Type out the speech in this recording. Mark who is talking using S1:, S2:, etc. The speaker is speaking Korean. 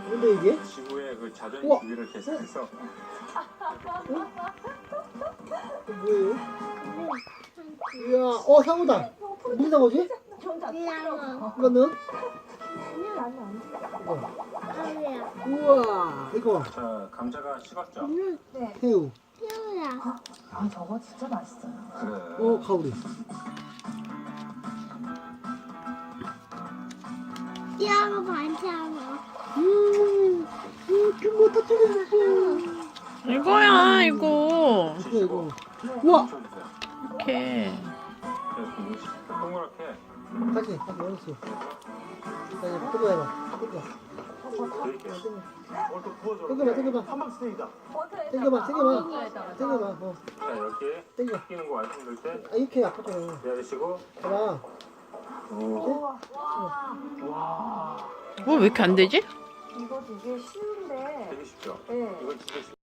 S1: 뭔데 이게?
S2: 지구의 그 자전
S1: 우와.
S2: 주기를 계산해서
S1: 뭐예요? 이야, 상어다. 무슨 상어지? 이거는? 우와, 이거
S2: 자 감자가 식었죠?
S3: 네.
S1: 새우.
S3: 아, 저거 진짜 맛있어요.
S2: 그래.
S1: 가오리.
S4: 이거 반찬어.
S1: 그거 터뜨렸어.
S5: 이거야 이거.
S1: 이거. 우와.
S5: 이렇게.
S2: 동그랗게
S1: 다시 열었어. 자, 뜯어 해봐. 뜯어.
S2: 드릴게요.
S1: 땡겨봐. 땡겨봐. 땡겨봐.
S2: 자 이렇게
S1: 땡겨.
S2: 끼는 거 말씀드릴 때
S1: 이렇게 아프잖아.
S2: 기다리시고
S1: 봐봐.
S2: 오.
S5: 뭐 왜 이렇게 안 되지?
S3: 이거 되게 쉬운데.
S2: 되게 쉽죠?
S3: 네.
S2: 이건 진짜 쉽